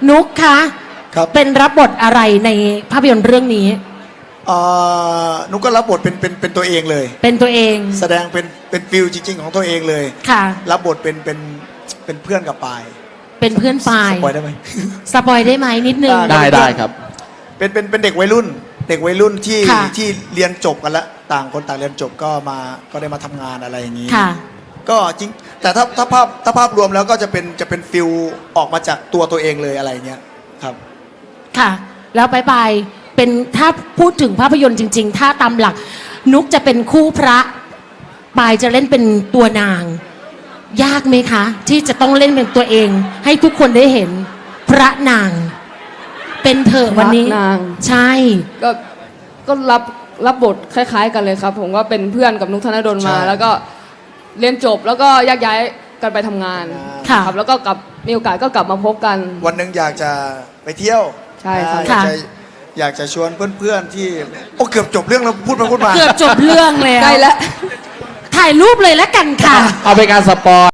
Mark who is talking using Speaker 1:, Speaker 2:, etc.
Speaker 1: นุกคะ
Speaker 2: ครับ
Speaker 1: เป็นรับบทอะไรในภาพยนตร์เรื่องนี้
Speaker 2: นุกก็รับบทเป็นตัวเองเลย
Speaker 1: เป็นตัวเอง
Speaker 2: แสดงเป็นฟิลจริง ๆ ของตัวเองเลย
Speaker 1: ค่ะ
Speaker 2: รับบทเป็นเพื่อนกับปาย
Speaker 1: เป็นเพื่อนฝ่าย
Speaker 2: สปอยได้ไหม
Speaker 1: สปอยได้ไหมนิดนึง
Speaker 3: ได้ครับ
Speaker 2: เป็นเด็กวัยรุ่นที่
Speaker 1: ค่ะ
Speaker 2: ที่เรียนจบกันแล้วต่างคนต่างเรียนจบก็ได้มาทำงานอะไรอย่างนี้
Speaker 1: ค่ะ
Speaker 2: ก็จริงแต่ถ้าภาพรวมแล้วก็จะเป็นฟิลออกมาจากตัวเองเลยอะไรอย่างเงี้ยครับ
Speaker 1: ค่ะ แล้วบายบายเป็นถ้าพูดถึงภาพยนตร์จริง ๆ ถ้าตามหลัก นุกจะเป็นคู่พระปายจะเล่นเป็นตัวนาง ยากไหมคะ ที่จะต้องเล่นเป็นตัวเอง ให้ทุกคนได้เห็นพระนาง เป็นเถอะวันนี้
Speaker 4: พระนาง
Speaker 1: ใช่
Speaker 4: ก็รับบทคล้ายๆ กันเลยครับ ผมก็เป็นเพื่อนกับนุกธนดลมา
Speaker 2: ใช่
Speaker 4: แล้วก็เรียนจบแล้วก็แยกย้ายกันไปทำงาน
Speaker 1: ค่ะ
Speaker 4: ครับแล้วก็มีโอกาสก็กลับมาพบกัน
Speaker 2: วันหนึ่งอยากจะไปเที่ยว
Speaker 4: ใช่ครับ
Speaker 2: อยากจะชวนเพื่อนๆที่โอ้เกือบจบเรื่องแล้วพูดมา
Speaker 1: เกือบจบเรื่องแล้ว
Speaker 4: ใกล้แล้ว
Speaker 1: ถ่ายรูปเลยแล้วกันค่ะ
Speaker 3: เอาเป็นการสปอย